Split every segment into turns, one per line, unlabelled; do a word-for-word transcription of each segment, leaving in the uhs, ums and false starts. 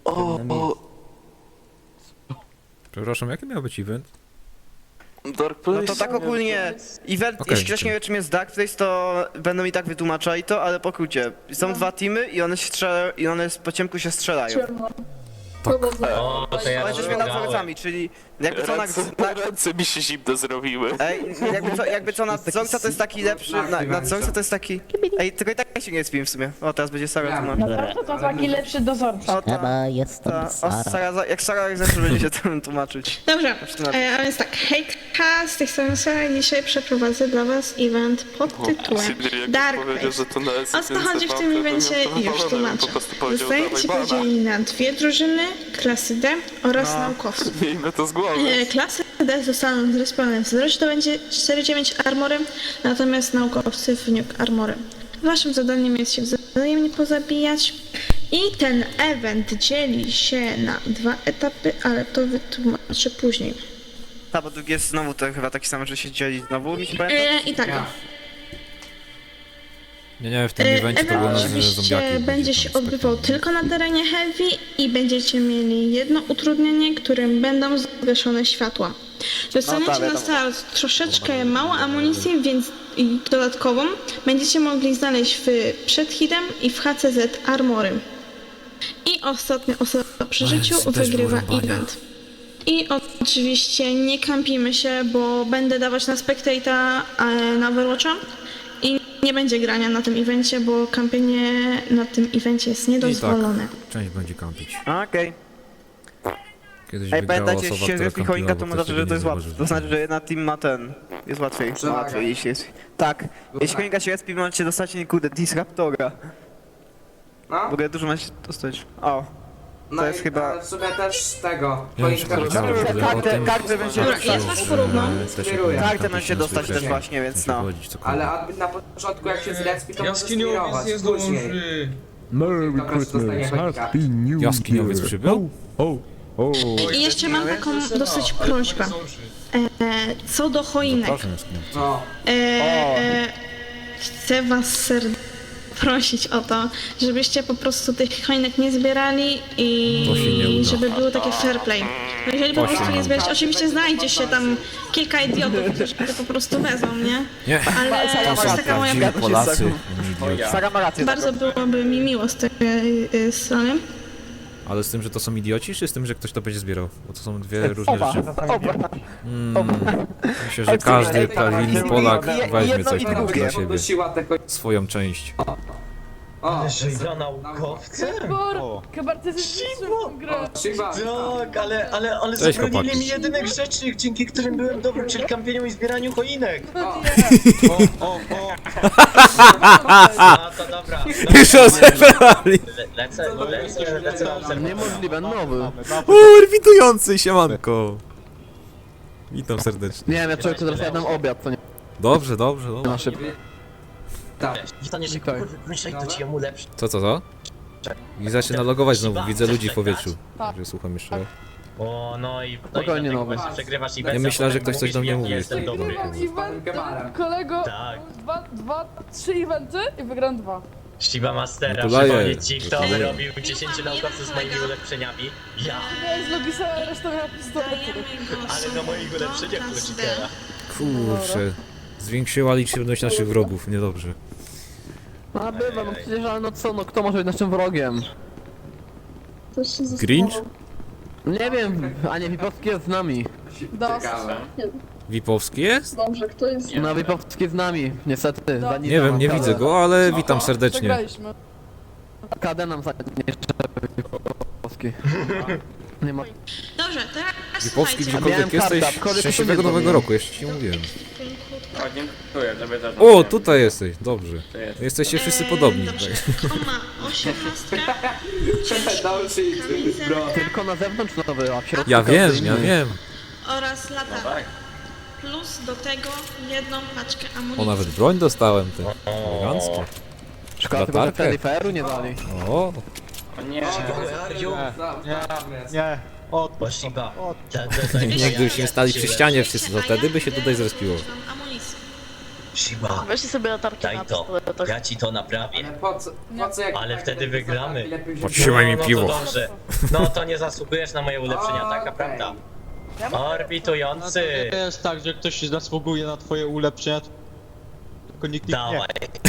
O, o,
Przepraszam, jaki miał być event?
Dark Place.
No to tak ogólnie, event,
Okej,
jeśli ktoś nie wie czym jest Dark Place, to będą i tak wytłumaczali to, ale pokrócie. Są dwa teamy i one się strzelają, i one po ciemku się strzelają.
O, to ja
Ale jesteśmy nadzorcami, czyli jakby co na...
Ręce,
na
ręce mi się zimno zrobiły.
ej, jakby co, jakby co nadzorca to jest taki lepszy, na, nadzorca to jest taki... Ej, tylko i tak się nie spiłem w sumie. O, teraz będzie Sara tu ma.
No to taki lepszy dozorca.
O, ta,
Chyba jestem
ta, o,
Sara.
Sara, za- jak Sara zawsze będzie się tym tłumaczyć.
Dobrze,
Tłumaczyć.
e, a więc tak, hejka, z tej strony Sara, dzisiaj przeprowadzę dla was event pod tytułem
Sydney jak
Dark
powiedział, że
Place.
to na S
O co chodzi w tym evencie? Już tłumaczę.
Po prostu powiedział,
Zostajecie
dawaj bana.
podzieleni na dwie drużyny, klasy D oraz
No.
naukowców.
Miejmy to z głowy.
E, Klasy D zostaną zrespawn w zero, to będzie cztery dziewięć armorem, natomiast naukowcy w nuke armorem. Waszym zadaniem jest się wzajemnie pozabijać i ten event dzieli się na dwa etapy, ale to wytłumaczę później.
Ta, bo drugi jest znowu to chyba taki sam, że się dzieli znowu, mi się pamięta?
E, I tak.
Nie, nie, w tym
E,
evencie to było
Event
na
oczywiście
zombiaki.
będzie się odbywał tylko na terenie heavy i będziecie mieli jedno utrudnienie, którym będą zgaszone światła. Dostaniecie
wiadomo.
na start troszeczkę mało amunicji, więc i dodatkową będziecie mogli znaleźć w przed hitem i w H C Z armorem. I ostatnia osoba przy życiu
Bez- bez
wygrywa
wyrąbania.
event. I oczywiście nie kampimy się, bo będę dawać na Spectate'a e, na Overwatcha i nie będzie grania na tym evencie, bo kampienie na tym evencie jest niedozwolone.
Część będzie kampić.
Okej.
Kiedyś
Ej,
wygrała
pamiętajcie,
osoba,
jeśli się
która
repi choinka, to
kampiła, bo
może, że
ktoś
to jest
tego nie
łatwe. To
zauważył.
znaczy, że jedna team ma ten. Jest łatwiej. Łatwiej, jeśli jest. Tak. Jeśli choinka się respi, możecie dostać, nie kurde, Disruptora.
No,
W ogóle dużo macie dostać. O.
no
jest
i,
chyba-
ale w sumie też tego.
Nie wiem, czy
choinka
powiedziałem w ogóle o
Kartę-
tym,
kartę
że-
będzie
Dobra,
dostać.
jest was porówno.
że też
Kieruję.
jak
Kartę
tam
możecie
się
dostać
nazwy
też właśnie, więc
musi
no.
chodzić, cokolwiek.
Ale aby na początku jak się zrespi, to może
Jaskiniowiec
skierować
nie
później.
zdąży.
Merry
Dobra,
Christmas,
dostanie choinka.
Happy New
Jaskiniowiec
Year.
przybył?
O, o.
I jeszcze mam taką dosyć prośbę. E, co do choinek.
Proszę, Jaskiniowca.
No,
E, e, chcę was serdecznie prosić o to, żebyście po prostu tych choinek nie zbierali
To się nie
i
uda.
żeby było takie fair play. Bo jeżeli po
To się
prostu
nie
nie
uda.
zbierać, oczywiście znajdzie się tam kilka idiotów, którzy to po prostu wezmą, nie?
Nie,
Ale
Sara
to
ma
jest
rację.
taka moja...
prawdziwi Polacy, nie idioci.
Sara ma rację.
Bardzo byłoby mi miło z tej y, strony.
Ale z tym, że to są idioci, czy z tym, że ktoś to będzie zbierał? Bo to są dwie różne
Oba.
rzeczy.
Oba.
Mm, myślę, że każdy prawilny Polak
Je-
weźmie
jedno
coś
i
tam
drugie.
dla siebie.
podnosiła te choinki.
Swoją część.
O,
Za naukowcem?
Chyba ty zniszczył grę.
Shiba.
Tak, ale, ale, ale
Cześć,
zabronili
chłopaki.
mi jedynych rzeczy, dzięki którym byłem dobry, czyli kampieniu i zbieraniu choinek. A, to dobra.
Już rozebrali!
Le, lecę, lecę, lecę na obserwację.
Niemożliwe, nowy.
Uuu, witujący, siemanko! Witam serdecznie.
Nie wiem, ja człowiek, teraz jadam obiad, to nie
Dobrze, dobrze, dobrze.
na szybko.
Tak.
Staniesz jak kurwa, myślę, to ci jemu lepszy.
Co, co, co? I zaczyna logować znowu, widzę ludzi w powietrzu. Dobrze, słucham jeszcze raz.
O, no i... No
Spokojnie,
i dlatego
nowy.
właśnie przegrywasz i
Ja myślałem, że ktoś coś do mnie mówi.
Jestem dobry.
Event, kolego,
Tak.
dwa, dwa, trzy eventy i wygram dwa.
Shiba Mastera,
Gratuluję.
przypomnieć ci, kto
Gratuluję.
wyrobił dziesięciu naukowców z moimi ulepszeniami. Ja!
Ja z Logisa, resztą miała pistolet.
Ale na moich ulepszeniach Lucifera.
Kurczę. Zwiększyła liczebność naszych wrogów, niedobrze.
A bywa, no przecież, ale no co, no kto może być naszym wrogiem?
Grinch?
Nie wiem, a nie, Wipowski jest z nami.
Das.
Wipowski jest?
No, Wipowski jest z nami, niestety. za nic
Nie
nam
wiem, nie
K D.
widzę go, ale witam serdecznie.
Przegraliśmy.
K D nam zajmie jeszcze Wipowski. Nie ma...
Dobrze, teraz
Wipowski,
słuchajcie.
gdziekolwiek
Miałem
jesteś,
kartę, aczkolwiek to
szczęśliwego
nie
nowego
zrobiłem.
roku, jeszcze ci nie mówiłem.
O, dziękuję, żeby też.
O, tutaj jesteś, dobrze. Jesteście wszyscy
Eee,
podobni.
Dobrze, on ma osiemnastkę,
Dał shit, bro.
Tylko na zewnątrz nowy, a w środku
Ja wiem,
każdy
ja
inny.
wiem.
oraz latarkę. Plus do tego jedną paczkę amunicji.
O, nawet broń dostałem, ty. Elegancko.
Szkoda tylko, że
Latarkę?
Feriferu nie dali.
O,
O nie,
Nie.
O Shiba.
nie gdybyśmy stali przy ścianie wszyscy, to wtedy by się tutaj zrespiło.
Amunicji.
Shiba,
Weźcie sobie latarki
daj
na
to.
pistoletach.
Ja ci to naprawię.
Ale po co, po co jak...
Ale wtedy wygramy.
Lepiej, żeby-
Podtrzymaj mi
no,
piwo.
No to dobrze. No to nie zasługujesz na moje ulepszenia, taka
Okej.
prawda. Orbitujący.
jest tak, że ktoś zasługuje na twoje ulepszenia, tylko nikt nie.
Dawaj.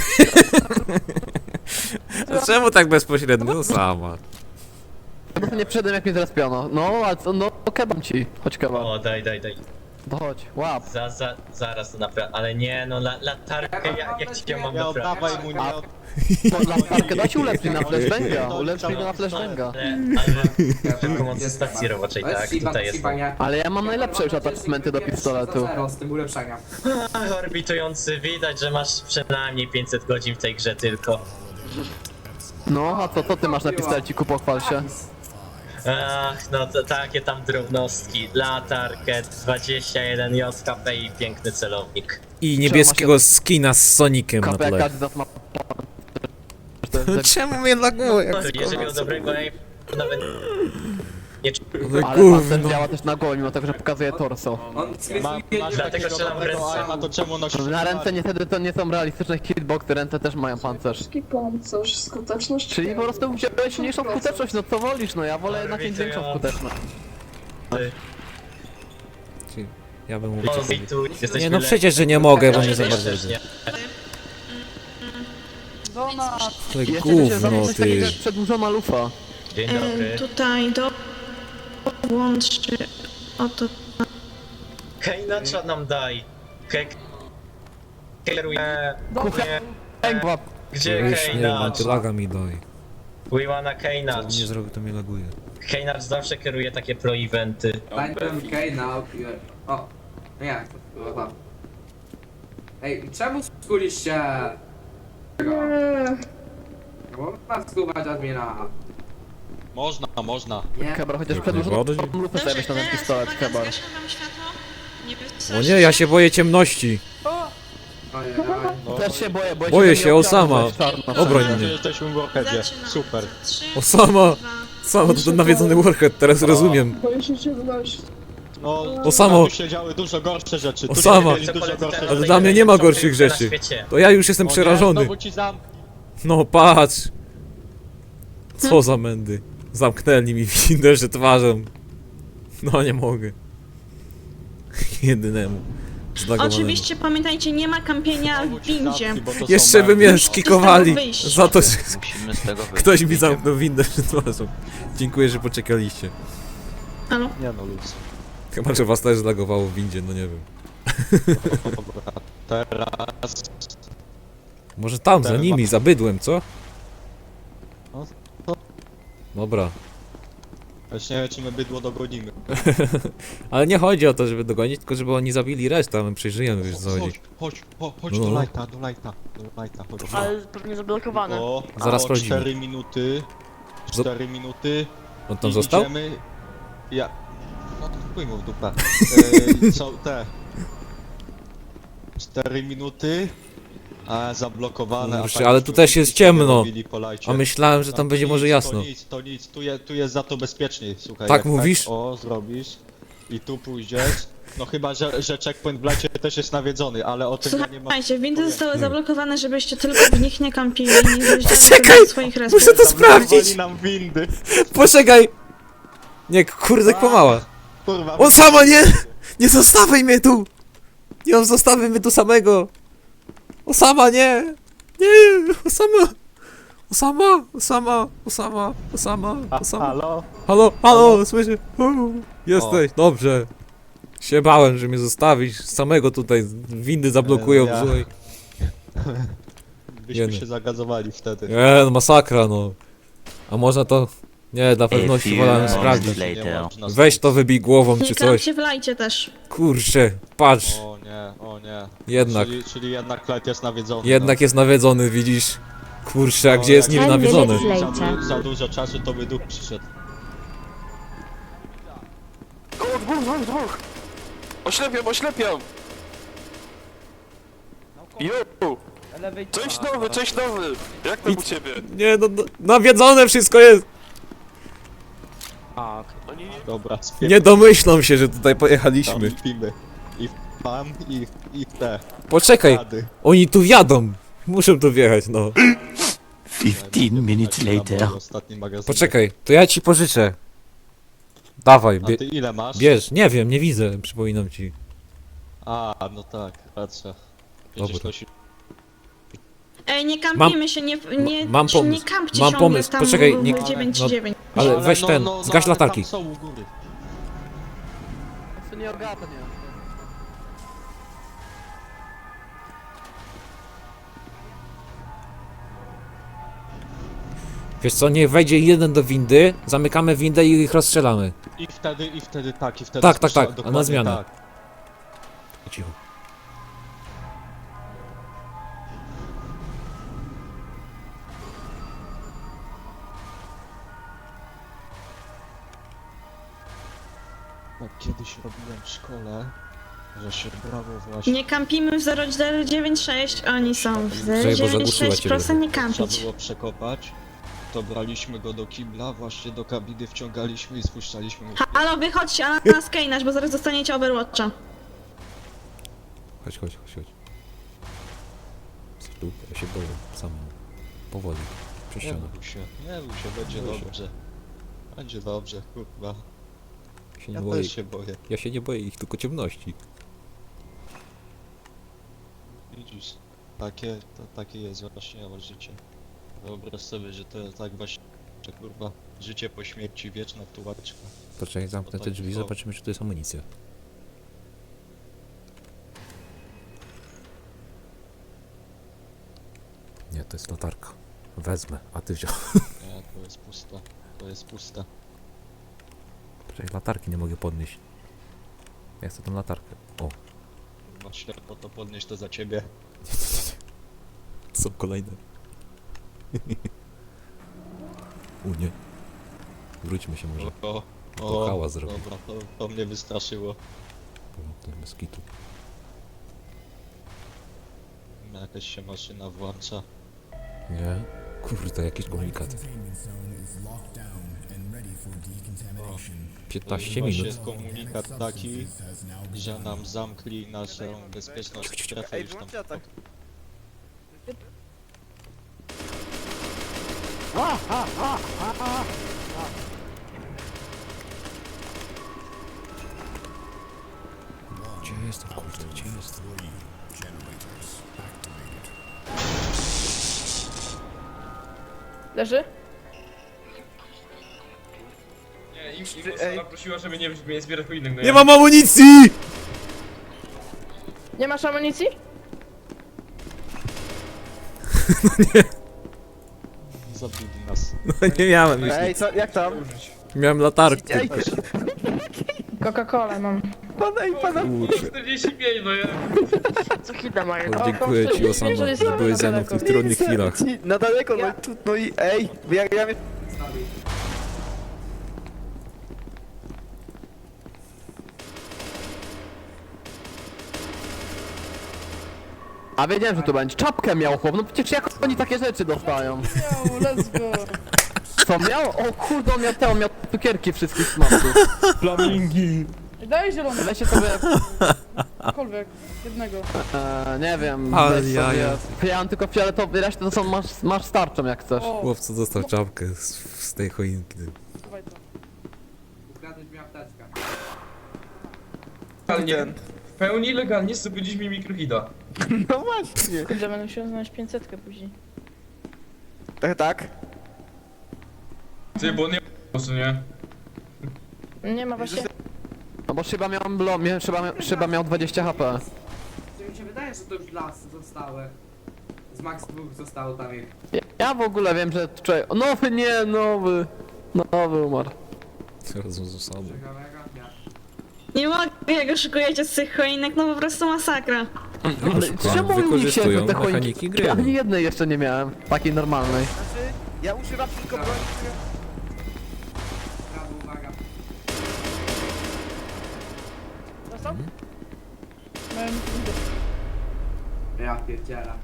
A czemu tak bezpośrednio? No sama.
No to nie przedem jak mnie zrespiono. No, a co, no kebam ci. Chodź kebab.
O, daj, daj, daj.
To chodź, łap.
Za, za, zaraz to naprawdę. Ale nie, no la, latarkę, jak, jak ci ją mam
Nie
naprawić?
oddawaj mu, nie od...
To latarkę dać ulepszyć na flashbanga. Ulepszyj go na flashbanga.
Ale, ale tylko mocy stacji roboczej,
To jest
tak?
Shiba,
Tutaj
to
jest.
Shiba, nie?
Ale ja mam najlepsze już attachmenty do pistoletu.
zero z tym ulepszeniem.
Ach, orbitujący, widać, że masz przynajmniej pięćset godzin w tej grze tylko.
No, a co, co ty masz na pistoleciku, pochwal się.
Ach, no to takie tam drobnostki. Latarkę, dwadzieścia jeden J K P i piękny celownik.
I niebieskiego skina z Sonikiem na
Kapę jak
tle.
każdy z nas ma... To jest tak-
Czemu mnie laguje? jak
Jeżeli miał dobrego aim, nawet nie czuł.
Ale
Ale pancerz
gówno.
działa też na głowie, mimo tego, że pokazuje torso.
On
Ma,
skryzuje
masz
Dlatego
takiego
strzelam w
dobrego
ręce.
aima, to czemu nosisz...
Na ręce niestety to nie są realistyczne hitboxy, ręce też mają pancerz.
Pancerz, skuteczność.
Czyli po prostu wziąłeś mniejszą skuteczność, no co wolisz, no ja wolę jednak mieć większą skuteczność.
Ja bym mówił.
Orbitu, jesteśmy
Nie no
lepsi.
przecież, że nie mogę, bo nie za bardzo
Też
widzę.
nie.
Donat.
Ale
Jeszcze by się
gówno
zamknąć takiego
ty.
jak przedłużona lufa.
Dzień
E,
dobry.
tutaj do... Łączy... Oto...
Hejnacza nam daj. Hej... Kieruje...
Kuchnia. Łap.
Gdzie
Już nie wiem,
Hejnacz?
antylaga mi daj.
We wanna
Co
Hejnacz.
nie zrobił, to mnie laguje.
Hejnacz zawsze kieruje takie pro-eventy.
Tańczem Kejna. O, no jak to było tam? Ej, czemu skuliście? Tego? Bo ma skubać admina.
Można, można.
Nie.
Kebar, chociaż
Jak
przedłużoną
najbardziej.
lufę sobie weź na ten pistolet, Kebar.
O nie, ja się boję ciemności.
Ojej, ojej.
No,
Też się boję, boję,
Boję
że
się,
nie
Osama.
obciążę czarno.
Obroń
że
mnie.
jesteśmy w Warheadzie. Super.
Osama! Sama to ten nawiedzony Warhead, teraz rozumiem.
Boję się ciemności.
No,
Osamo.
tu się działy dużo gorsze rzeczy. Tu
Osama.
się dzieje dużo gorsze
Ale
rzeczy.
dla mnie nie ma gorszych
Na
rzeczy.
świecie.
To ja już jestem
O nie,
przerażony.
Znowu ci zam...
No patrz. Co za mędy. Zamknęli mi windę, że twarzą. No nie mogę. Jedynemu. Zlagowanemu.
Oczywiście pamiętajcie, nie ma kampienia w windzie.
Zamki, bo to są
Jeszcze by mnie
marki.
skikowali
wyjść.
za to, że
Musimy z tego wyjść.
ktoś mi zamknął windę przed twarzą. Dziękuję, że poczekaliście.
Halo?
Nie no, luz.
Chyba, że was też zlagowało w windzie, no nie wiem.
Dobra, teraz...
Może tam, za nimi, za bydłem, co?
No,
Dobra.
Już nie wiem, czy my bydło dogonimy.
Ale nie chodzi o to, żeby dogonić, tylko żeby oni zabili resztę, a my przejrzyjemy, wiesz co
Chodź,
chodzi.
chodź, chodź, chodź
No.
do lajta, do lajta, do lajta, chodź.
Ale pewnie zablokowane.
O,
Zaraz
o
sprawdzimy.
cztery minuty, cztery minuty
On tam
i
został?
idziemy... Ja... No to chuj mu w dupę. E, są te... cztery minuty, a zablokowane... a
Kurczę,
tak
ale
już
tu też jest
wszyscy
ciemno.
robili po lajcie.
A myślałem, że
No
tam
to
będzie może
nic,
jasno.
To nic, to nic, tu, je, tu jest za to bezpieczniej, słuchaj.
Tak
jak
mówisz?
Tak, o, zrobisz i tu pójdziesz. No chyba, że, że checkpoint w lajcie też jest nawiedzony, ale o tym ja nie mam...
Słuchajcie, windy
pojęcia.
zostały zablokowane, żebyście tylko w nich nie kampili i nie zjeżdżali
Czekaj,
do swoich respów.
muszę to
Zablokowali
sprawdzić!
nam windy.
Poczekaj! Nie, kurde, pomała.
Kurwa.
On sama nie! Nie zostawiaj mnie tu! Nie zostawiaj mnie tu samego! Osama, nie! Nie! Osama! Osama! Osama! Osama! Osama! Osama!
Halo?
Halo, halo, słyszę! U, Jesteś, dobrze. Się bałem, że mnie zostawisz samego tutaj, windy zablokują,
Ja-
słuchaj.
Byśmy
Jeny.
się zagazowali wtedy.
Nie, no masakra, no. A można to... Nie, dla pewności wolałem sprawdzić.
Nie można
Weź to wybij głową
Nie
czy coś.
kampcie w lajcie też.
Kurczę, patrz.
O nie, o nie.
Jednak.
Czyli, czyli jednak Clyde jest nawiedzony.
Jednak jest nawiedzony, widzisz? Kurczę, a
No,
gdzie jest
jak-
niby nawiedzony?
no. Za, du- za dużo czasu to by duch przyszedł.
O, dwóch, dwóch, dwóch! Oślepiam, oślepiam! Jo! Cześć nowy, cześć nowy! Jak tam u ciebie?
Nie, no, no nawiedzone wszystko jest!
Oni...
Dobra, spier...
Nie domyślą się, że tutaj
tam
pojechaliśmy.
i pimy. I Tam i, i te
Poczekaj,
rady.
oni tu wjadą. Muszą tu wjechać, no.
fifteen minutes later. Ostatni magazyn.
Poczekaj, to ja ci pożyczę. Dawaj,
A
bie
ty ile masz?
bierz. Nie wiem, nie widzę, przypominam ci.
A, no tak, racja. Będziesz
Dobra.
nosił...
Ej, nie kampimy się, nie, nie,
mam
się nie
pomysł,
kampcie
mam
ciągle
pomysł,
tam
poczekaj,
w-
nie-
w dziewięć
no-
dziewięć.
Ale weź
no,
ten,
no, no,
zgaś
ale
latarki.
Tam są u góry.
To nie ogarnia.
Wiesz co, niech wejdzie jeden do windy, zamykamy windę i ich rozstrzelamy.
I wtedy, i wtedy tak, i wtedy...
Tak, tak,
słyszę-
tak, a na
dokładnie
zmianę.
Tak.
Cicho.
Tak, kiedyś robiłem w szkole, że się brało właśnie...
Nie kampimy w zero zero dziewięć sześć, oni są w zero
bo
dziewięć
zagłuszyła
sześć,
cię
proszę nie
Trzeba
kampić.
było przekopać, to braliśmy go do kibla, właśnie do kabiny wciągaliśmy i spuszczaliśmy mu...
Halo, wychodźcie, a na skejnasz, bo zaraz dostaniecie Overwatcha.
Chodź, chodź, chodź, chodź. Tu, ja się boję, sam. Powoli. Przez
Nie
ścianę.
bój się, nie bój się, będzie
Boję się.
dobrze. Będzie dobrze, kurwa.
Ja się nie
Ja
boję.
też się boję.
Ja się nie boję ich, tylko ciemności.
Widzisz, takie, to takie jest właśnie o życie. Wyobraź sobie, że to tak właśnie, że kurwa, życie po śmierci, wieczna tułaczka.
Poczekaj, zamknę te drzwi, zobaczymy, czy tu jest amunicja. Nie, to jest latarka. Wezmę, a ty wziął.
Nie, to jest pusta, to jest pusta.
Poczekaj, latarki nie mogę podnieść. Ja chcę tą latarkę. O,
Kurwa, ślepo to podnieść to za ciebie.
są kolejne. U nie. Wróćmy się może.
O,
To hałas zrobi.
dobra, to, to mnie wystraszyło.
O, ten bez kitu.
Jakaś się maszyna włącza.
Nie? Kurde, jakieś komunikaty. piętnaście
Właśnie
minut.
jest komunikat taki, że nam zamkli naszą bezpieczną strefę
Ej,
już tam.
wyłączcie atak.
Gdzie jestem, kurde, gdzie jestem?
Leży?
Nie, im, im
Ej.
Sara prosiła, żeby nie, żeby nie zbierać po innych, no
Nie
ja-
mam amunicji!
Nie masz amunicji?
Zabili nas.
No nie miałem już.
Ej, co, jak tam?
Miałem latarkę.
Ej,
Coca-Cola mam.
pana i pana.
Kurczę.
czterdzieści pięć, no ja...
Co chwilę mają.
O, dziękuję ci, Osama, że byłeś ze mną w tych trudnych chwilach.
Na daleko, no i tu, no i ej, ja, ja mnie...
A wiedziałem, że tu będzie. Czapkę miał chłop, no przecież jak oni takie rzeczy dostają?
Let's go.
Co miał? O kurde, on miał te, on miał cukierki wszystkich smaków.
Flamingi.
Daj zielony,
Weźcie sobie,
cokolwiek. Jednego.
e, nie wiem,
Ale
weź
jaja.
sobie, ja mam tylko fioletowy, resztę to są, masz, masz starczą jak chcesz.
Chłopcu dostał czapkę z, z tej choinki.
Dawaj to.
Ukradłeś mi apteczkę.
Legalnie, w pełni legalnie zdobyliśmy mikrohida.
No właśnie.
Kurde, będę musiał znaleźć pięćsetkę później.
Tak, tak.
Ty, bo nie... po prostu nie.
Nie ma właśnie.
No bo szyba miał, blo, miał, szyba, miał, szyba miał dwadzieścia H P.
Czy mi się wydaje, że to już las zostały. Z Max dwóch zostało tam ich.
Ja, ja w ogóle wiem, że człowiek, nowy nie, nowy, nowy umarł.
Razem z osobą.
Ciekawego? Nie.
Nie mogę, jak oszukujecie z tych choinek, no po prostu masakra.
Ale czemu mi się
Wykorzystują
te choinki,
mechaniki gry.
ani jednej jeszcze nie miałem, takiej normalnej.
Znaczy, ja używam tylko broni, która...
Brawo, uwaga.
Dostał?
Mhm.
Mają mikrohida.
Ja pierdziela.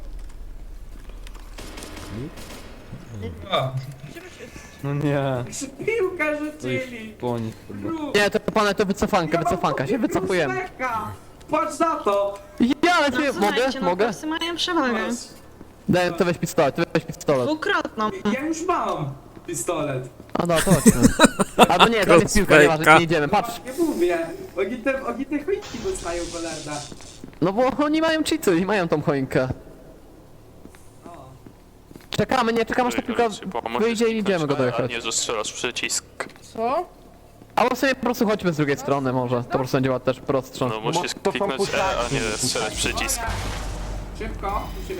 A,
No nie,
Piłkę rzucili!
po nich chyba.
Rób!
Nie, to pane, to wycofanka, wycofanka, się wycofujemy.
Uśmiecha! Patrz na to!
Ja, ale
No
ty, mogę,
słuchajcie,
mogę?
naukowcy mają przewagę.
Daj, to weź pistolet, ty weź pistolet.
Dwukrotną.
Ja już mam pistolet.
A no, to chodźmy. Albo nie, to jest piłka, nieważne,
Kropka.
nie idziemy, patrz.
Nie mówię. Oni te, oni te choinki dostają cholerne.
No bo oni mają cheaty i mają tą choinkę.
O.
Czekamy, nie, czekamy aż ta piłka wyjdzie i idziemy go
A
dojechać.
nie, że strzelasz w przycisk.
Co?
Albo sobie po prostu chodźmy z drugiej strony może, to po prostu będzie też prostsze.
No musisz kliknąć E, a nie strzelać w przycisk.
Szybko, musimy.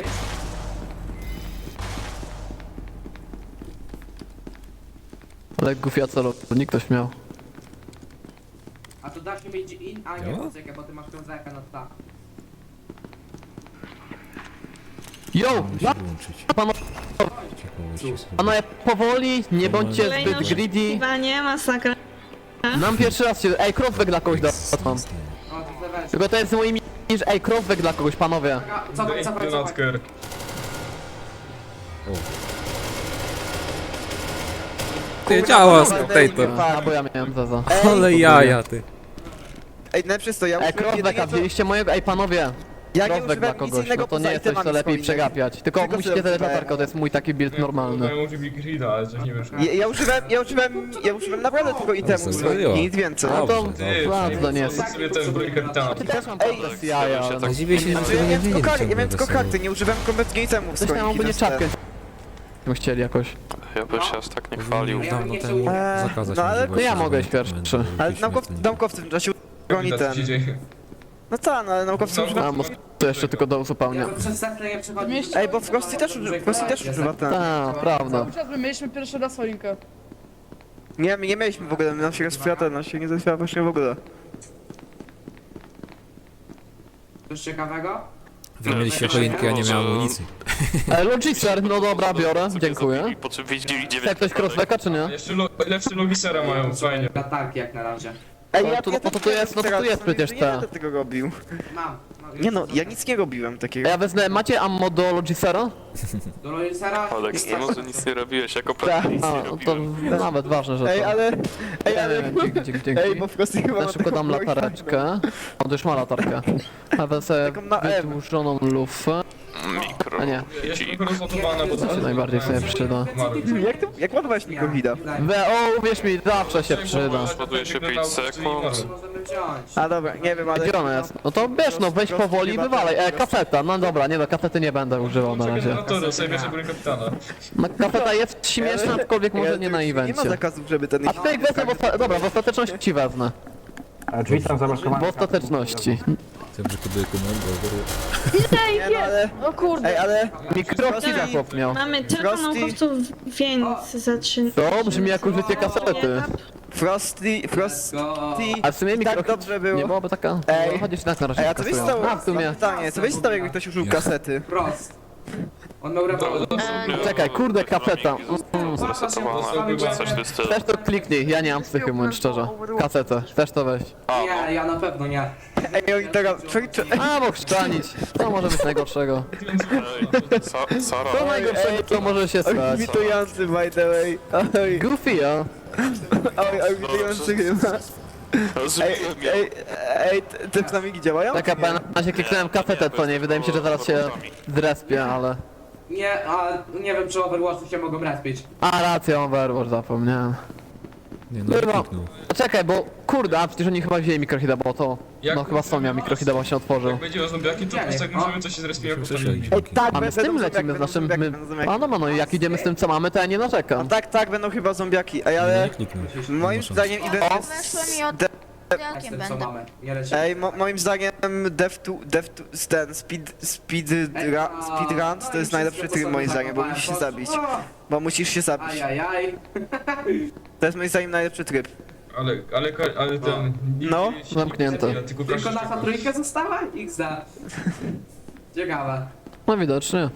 Ale gufia co nikt ktoś miał.
A to da się mieć in... A nie, poczekaj, bo ty masz tą zerkę na ta.
Yo!
Musi wyłączyć.
Pano, panowie, powoli, nie bądźcie
Kolejne
zbyt greedy.
oszukiwanie, masakra.
Nam pierwszy raz się... Ej, crossback dla kogoś dam.
O, to zaweź.
Tylko to jest moimi... Ej, crossback dla kogoś, panowie.
Co to,
Daj
co to, co to?
granatkę.
Ty działa spectator.
A, bo ja miałem zaza.
Ale jaja, ty.
Ej, najpierw to ja
Ej,
użyłem
crossbacka,
jedynie co-
wzięliście mojego... Ej, panowie.
Ja nie
Crossback dla
używałem nic
kogoś,
innego
no to
poza
nie jest coś, co
itemami
lepiej
swoimi.
przegapiać. Tylko
Tylko
musicie
sobie
zadać
używałem.
latarkę, to jest mój taki build normalny.
Ja użył Grida, ale coś nie wiem.
Ja, ja używałem, ja używałem, ja użyłem naprawdę tylko itemów
serio?
swoich, nic więcej.
No to...
Dobrze,
Ty,
Ładno, to nie jest.
jest. sobie ten broń kapitana.
Ty też mam
Ej,
problem z jaja, ale...
Tak dziwię się, że
Znaczy,
tego
ja
nie
miałem tylko,
wiedzieli.
kar- ja miałem tylko karty, nie używałem kompletnie itemów
Coś tam
swoich.
albo nie
i to jest
czapkę. Bym chcieli jakoś.
Ja bym się aż tak nie chwalił.
Powinni dawno temu
Eee,
zakazać
no ale-
możliwości
No ja mogę iść
używania
pierwszy.
elementów
Ale
śmiesznych
naukow,
na nim.
naukowcy w tym czasie broni
Co
ten.
się dzieje?
No tak, no ale naukowcy
No,
używają...
A, bo to jeszcze tylko do uzupełnienia.
Ja bym przez sekcję nie przechodził.
Ej, bo Frosty też, uży- Frosty też używa ten.
Tak, prawda.
Cały czas my mieliśmy pierwszy raz choinkę.
Nie, my nie mieliśmy w ogóle, nam się rozchwila ten, nam się nie rozchwila właśnie w ogóle.
Coś ciekawego?
Wy mieliście choinkę, ja nie miałem amunicji.
E, Logicer, no dobra, biorę, dziękuję.
Po czym widzieli
Chce
dziewięć
ktoś crossbacka, czy nie?
Jeszcze lo, lepszy logisera mają, fajnie.
Latarki jak na razie.
Ej,
No to- no to tu jest- no to tu jest przecież
Nie
ta.
będę tego robił.
Mam. mam
Nie no, ja nic nie robiłem
A
takiego.
ja wezmę, macie ammo do Logicera?
Do Lorisera?
Aleks, ty może nic nie robiłeś, jako
Tak.
pewnie nic
A,
nie
no to
robiłem.
nawet ważne, że
Ej,
to.
ale... Ej, ale...
Dzięki, dzięki, dzięki.
Ej, bo Frosty chyba
Ja
ma
szybko
taką
dam
broń
latareczkę. On już ma latarkę. A wezmę
Taką na M.
wydłużoną lufę.
Mikro.
A nie,
Jeszcze tylko rozładowana, bo
to się najbardziej sobie przyda.
fajna. Jak to... Jak ładowałeś mikrohida?
We, o, uwierz mi, zawsze się przyda.
Ładuje się pięć sekund.
Możemy wziąć.
A dobra, nie wiem, ale...
Gdzie ona jest? No to wiesz, no weź powoli i wywalaj. E, kaseta, no dobra, nie no, kasety nie będę używał na razie.
Generatory, sobie bierze broń kapitana.
No, kaseta jest śmieszna, aczkolwiek może nie na
Nie ma
evencie.
zakazów, żeby ten...
A tutaj wezmę, w osta- dobra, w ostateczności wezmę.
A drzwi są zamaskowane.
W ostateczności.
Chciałem, że kubuję komend,
Nie no, ale...
O kurde.
Ej, ale...
Mikrokida chłop miał.
Mamy tylko
Frosty.
naukowców, więc zaczynamy.
To brzmi jak użycie kasety.
Frosty... Frosty...
Go.
A w sumie
Tak
mikrokid
dobrze było.
nie byłaby taka...
Ej.
No chodzisz tak na razie
Ej, a co byś
kasują.
stało?
A, w sumie.
Pytanie, co byś stało, jakby ktoś użył kasety?
Prost. On miał rewolwer.
Czekaj, kurde, kaseta. Mm.
Zresetowana, czy coś w tym stylu.
Też to kliknij, ja nie mam psychy, mówiąc szczerze. Kasetę, też to weź.
Nie, ja na pewno nie.
Ej, oni teraz... Czekaj, czekaj.
A, bo chrzczanić. To może być najgorszego.
Ej, Sa- Sara,
To najgorszego, co może się stać.
Witujący, by the way. Oj,
Goofy, ja.
oj, oj, witujący chyba. Ej,
zrobiłem ją.
ej, ej, te- te plamiki działają?
Taka na razie kliknąłem kasetę, to nie, wydaje mi się, że zaraz się zrespię, ale...
Nie, a nie wiem czy Overwatchy się mogą respić.
A, racja, Overwatch, zapomniałem.
Nie no,
Kurwa.
kliknął.
Czekaj, bo kurde, a przecież oni chyba wzięli mikrohida, bo to...
Jak-
No chyba są miał mikrohida, bo się otworzył.
Jak będzie o zombiaki, to po prostu jak możemy coś się zrespić jako
Przeszli.
Ej, tak,
A my z tym
będą
lecimy, z
zombiaki,
naszym...
będą
My...
zombiaki, będą zombiaki.
A no, no, no, jak idziemy z tym, co mamy, to ja nie
No
narzekam.
tak, tak, będą chyba zombiaki, ej,
Nie,
ale...
nie kliknął.
Moim
Nie ma szans.
zdaniem event jest...
Weszłem i od...
De-
Jakiem
Co
będę?
mamy? Nie lecimy.
Ej, mo moim zdaniem Dev to... Dev to... ten... Speed... Speed... Ra, speedrun to jest najlepszy tryb moim zdaniem, bo musisz się zabić. Bo musisz się zabić.
Ajajaj.
To jest moim zdaniem najlepszy tryb.
Ale, ale, ale ten... nikt
No,
nie-
zamknięte.
Tylko
Tylko
proszę
nasza
się-
trójka została? X D. Ciekawe.
No widocznie.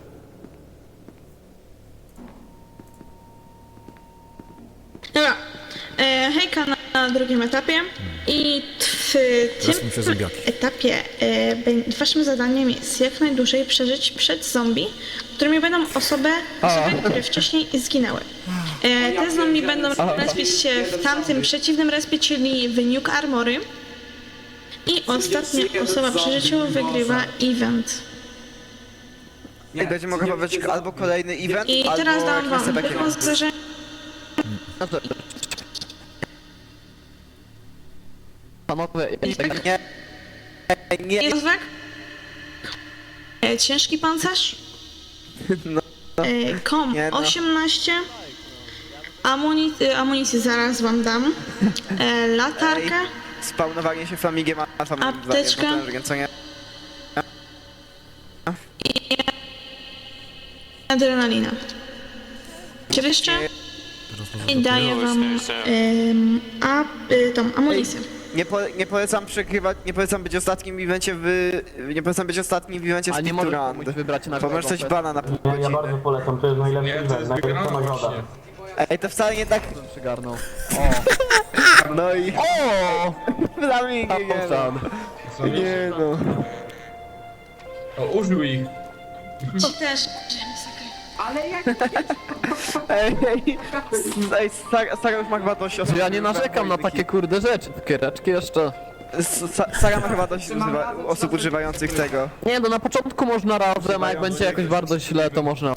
Dobra. E, hejka na, na drugim etapie. I w
Teraz
tym
muszę zombiaki.
etapie e, bę- waszym zadaniem jest jak najdłużej przeżyć przed zombie, którymi będą osoby, osoby które wcześniej zginęły. E, te zombie będą respić się w tamtym przeciwnym respie, czyli w Nuke Armory. I ostatnia osoba przy życiu wygrywa event.
I będzie mogła pobrać albo kolejny event,
I
albo
teraz dam
kwestię
wam
takiego.
wyposażenie.
Panowie,
Nie, nie,
Jest wek? E, Ciężki pancerz.
No.
E, Kom
Nie no.
osiemnaście. Amuni e, amunicję zaraz wam dam. E, latarkę.
spawnowanie się flamigiem, a flamigiem
Apteczka.
co nie?
Adrenalina. Czy jeszcze? I daję wam em, a, y, tą amunicję.
Nie, po, nie polecam przegrywać, nie polecam być ostatnim w evencie w... Nie polecam być ostatnim w evencie
a nie
Speed
możesz
Run.
komuś wybrać na
Bo możesz coś bana na pół
Ja, ja bardzo
godziny.
polecam, to jest najlepszy
Nie, to
event,
jest
najlepsza
wygrana
nagroda.
właśnie.
Ej, to wcale nie tak...
Przygarnął.
No i...
O!
Flamigi, nie no.
Co nie?
Nie no.
O, użył ich.
Ci też.
Ale jak...
Ej, ej, ej, Sara, Sara już ma chyba dość osób.
Ja nie narzekam na takie kurde rzeczy, takie reczki jeszcze.
Sa- Sara ma chyba dość używa, osób używających tego.
Nie, no na początku można razem, a jak będzie jakoś bardzo źle, to można...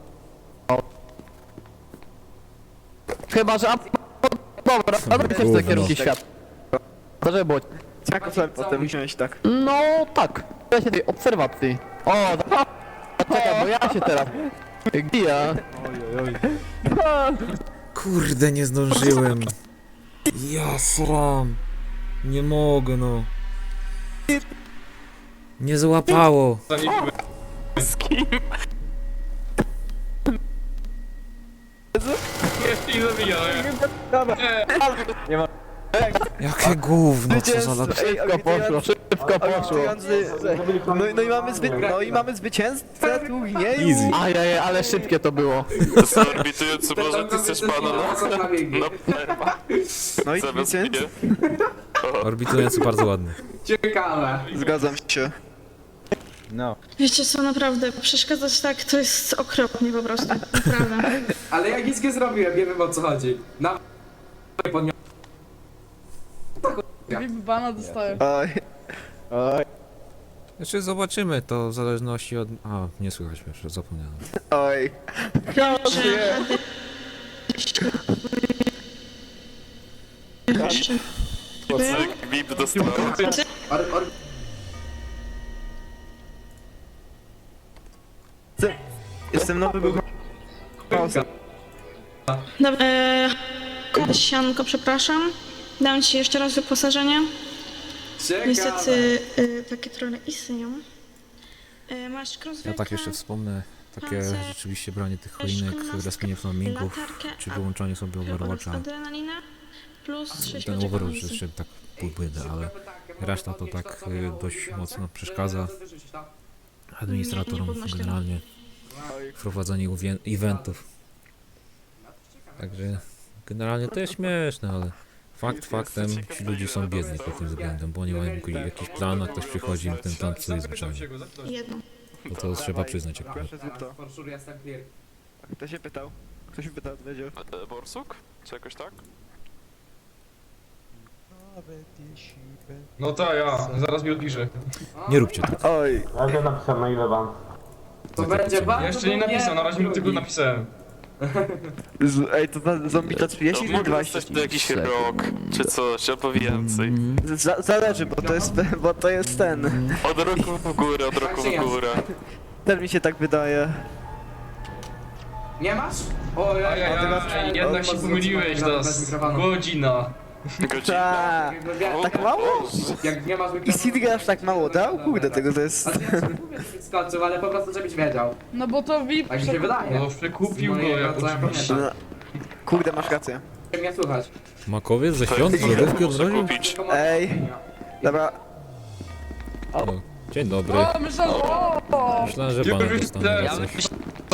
Chyba, że... a- Dobra, a zrobię się w te kierunki świata. To żeby było...
Jak chleb potem wziąć tak.
No tak, ja się tej obserwacji. O, da- czekaj, bo ja się teraz... Gija.
Kurde, nie zdążyłem. Ja sram. Nie mogę, no. Nie złapało.
Zanikły. Jeszcze ich zabijałem.
Jakie gówno, co za lat...
Szybko poszło, szybko poszło.
No, i- no i mamy zwy... no i mamy zwycięzcę turnieju.
Easy.
Ajajaj, ale szybkie to było.
Co orbitujący, może ty chcesz pana na... No, perma.
No i
Zamiast
zwycięzcę.
mnie.
Orbitujący bardzo ładny.
Ciekawe.
Zgadzam się.
Wiecie co, naprawdę, przeszkadzać tak to jest okropnie po prostu. Naprawdę.
Ale ja nic nie zrobiłem, nie wiem o co chodzi. Na... podniosłem.
VIP bana dostaję.
Oj. Oj.
Znaczy zobaczymy to w zależności od... A, nie słychać mnie, już zapomniałem.
Oj.
Że
Cyk, V I P dostał.
Or, or...
Jestem nowy był...
Dobra, e, sianko, przepraszam. Dam ci jeszcze raz wyposażenie.
Ciekawe.
Niestety e, takie trochę istnieją. E, masz crosswayka,
Ja tak jeszcze wspomnę, takie
pancerz,
rzeczywiście branie tych
też
choinek,
szkolnastka,
respienie flamingów,
latarkę,
czy
a-
wyłączanie sobie Overwatcha.
adrenalina plus sześć
Ten
lodzików
Overwatch
amunicji.
jeszcze tak półbłydę, ale reszta to tak y, dość mocno przeszkadza administratorom generalnie w prowadzeniu uwie- eventów. Także generalnie to jest śmieszne, ale fakt faktem ci ludzie są biedni pod tym względem, bo oni mają jakiś- jakiś plan, a ktoś przychodzi im ten plan psuje zwyczajnie.
Jedno.
Bo to trzeba przyznać akurat.
Proszę zrób to.
For sure jestem clear.
Kto się pytał? Ktoś się pytał, wiedział.
E, Borsuk? Czy jakoś tak?
No tak, ja. Zaraz mi odpiszę.
Nie róbcie tak.
Oj.
Ja już napisałem maile wam.
To będzie bardzo
Jeszcze nie napisał, na razie mu tylko napisałem.
Z, ej, to za zombie to trzydzieści
To
czy
mogę
dwadzieścia?
dostać to jakiś rok, czy coś, albo więcej.
Z- Zależy, bo to jest, bo to jest ten.
Od roku w górę, od roku w górę.
Też mi się tak wydaje.
Nie masz? O, ja,
Ajajaj, jednak się pomyliłeś, to jest godzina.
Godzina.
Ta. Tak mało?
Jak nie masz
I
mikrofonu...
Sidney aż tak mało dał? Kurde, tego to jest...
Ale ja ci mówię, żebyś skoczył, ale po prostu żebyś wiedział.
No bo to V I P
Tak mi się wydaje.
No przekupił go
Moje
jak
bardzo ja
oczywiście.
pamiętam.
Kurde, masz rację.
Chcę mnie słuchać.
Makowiec ze świąt, z lodówki
Muszę
odrodził?
kupić.
Ej. Dobra.
O, dzień dobry.
O, myślałem, o!
Myślałem, że pana dostanę za coś.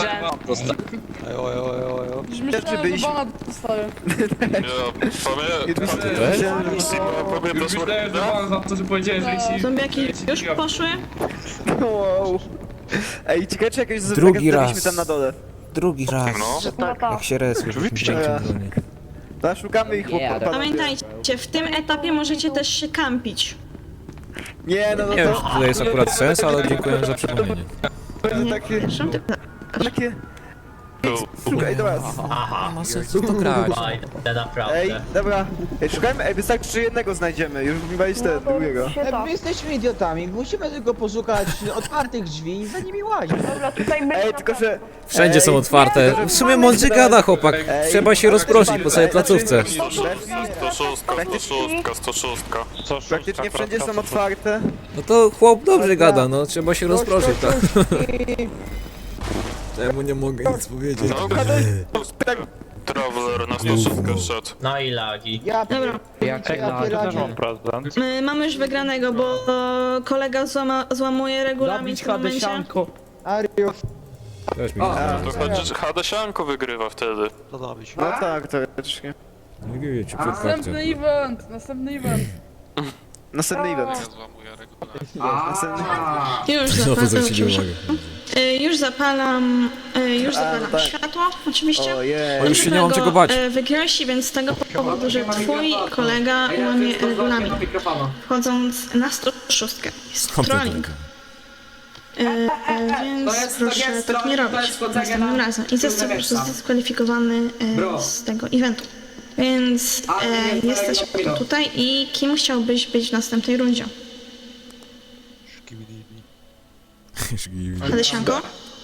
Już myślałem, że
byliśmy-
bana dostaję.
Ja pamiętam.
też?
Sigma, pamiętasz
Już myślałem, że
Warpida?
pan za to, że powiedziałem, że ci...
Zombiaki już poszły?
Wow. Ej, ciekawe czy jakiegoś
Drugi
zombie
raz.
tam na dole.
Drugi raz.
No.
Jak się resuje w
Oczywiście.
pięknym gronie.
To szukamy ich po po-
Pamiętajcie, w tym etapie możecie też się kampić.
Nie, no, no
Nie wiem,
to...
czy tutaj jest akurat sens, ale dziękuję za przypomnienie.
Będzie takie...
Przepraszam, ty...
Takie... Szukaj, dobra.
Aha.
Ma sensu to grać.
Oj,
Ej,
naprawdę.
dobra. Ej, szukajmy, ej, wystarczy, że jednego znajdziemy, już nie balić ten, drugiego.
My jesteśmy idiotami, musimy tylko poszukać otwartych drzwi i za nimi łazić.
Ej, tylko że...
Wszędzie są
Ej,
otwarte. W sumie mądrze gada chłopak.
Ej,
Trzeba się rozproszyć po całej placówce.
sto sześć, sto sześć.
Praktycznie wszędzie są otwarte.
No to chłop dobrze gada, no trzeba się rozproszyć, tak. Czemu nie mogę nic powiedzieć?
Traveler na sto sześć szedł.
No i lagi.
Ja
Dobra.
Jak ja
prezydent.
My mamy już wygranego, bo kolega złama, złamuje regulamin w tym momencie.
Ario,
Też mi
O,
nie
To chodzi, że Hadesianko wygrywa wtedy.
To dawaj się.
No tak, teoretycznie.
Nie wiecie,
Następny event, następny event.
Następny event. Następny...
Aaa.
Już
Znowu
zapalam,
zwrócili uwagę.
y, już zapalam, y, już
A,
zapalam
tak.
światło, oczywiście.
Ojej.
O, już się nie mam czego bać.
Y, Wygrałeś, więc z tego powodu, że twój kolega łamie regulamin, wchodząc na sto sześć. Jest trolling. Y, y,
To
więc
jest- to
proszę
jest
tak nie
troll, to
robić
jest chodzenie
następnym
na
razem. I został po prostu
tyłu
zdyskwalifikowany
Bro.
y, z tego eventu. Więc
Ale nie
e,
jest
jesteś
regulaminu.
tutaj i kim chciałbyś być w następnej rundzie? Hadesianko?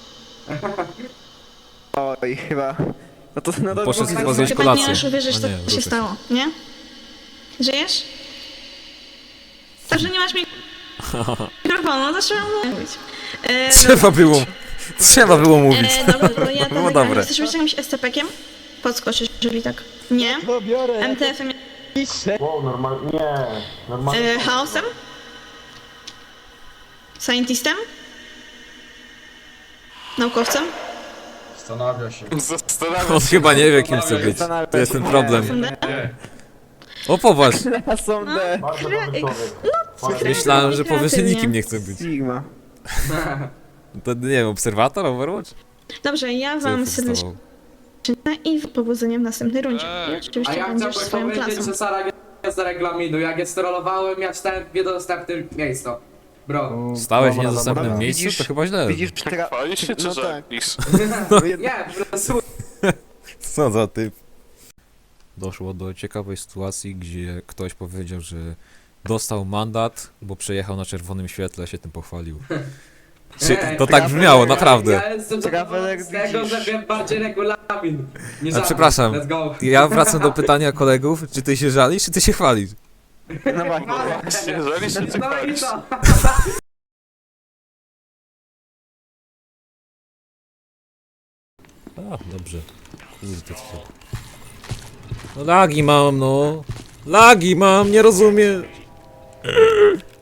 Oj, chyba... No to... No to
Poszedł
to-
chyba zjeść
Chyba nie
kolację.
możesz uwierzyć,
A
co
nie,
się
wrócę.
stało, nie? Żyjesz? To, że nie masz mikrofonu, to trzeba mówić. E,
Trzeba było. Trzeba było mówić.
E, dobra, to ja to
Było
wygram.
dobre.
Chcesz być jakimś S C P-kiem? Podskoczysz, jeżeli tak. Nie?
to biorę.
M T F-em?
Wow, normalnie. Nie, normalnie.
E, chaosem? Scientistem? Naukowcem?
Zastanawiam
On
się.
chyba nie wie, kim chce być. To jest ten problem.
Fundem?
O, popatrz.
Są D.
Bardzo dobry człowiek.
Myślałem, że powie, że
Kreatywnie.
nikim nie chce być.
Sigma.
To nie wiem, obserwator, Overwatch?
Dobrze, ja
Co
wam
ja
serdecznie
testował?
i powodzenia w następnej rundzie. I
A
oczywiście
ja
będziesz
chciałbym
swoją
powiedzieć,
klasą.
że Sara jest z regulaminu. Jak je sterolowałem, ja czytałem w niedostępnym miejscu. Bro.
Stałeś w
Dobra,
niedostępnym
dobra.
miejscu?
Widzisz-
To chyba źle.
Widzisz, tra...
Chwalisz się czy
No tak.
żeglisz?
No jed-
Nie, po prostu
Co za typ. Doszło do ciekawej sytuacji, gdzie ktoś powiedział, że dostał mandat, bo przejechał na czerwonym świetle, się tym pochwalił. Czy, to tak brzmiało, naprawdę.
Ja jestem
Traveler,
zadowolony z tego,
widzisz.
że wiem bardziej regulamin. Nie
A
żadnych.
przepraszam,
Let's go.
ja wracam do pytania kolegów, czy ty się żalisz, czy ty się chwalisz?
No właśnie.
Jeżeli się ty
No i
chwalisz.
co?
A, dobrze. No lagi mam, no. Lagi mam, nie rozumiem.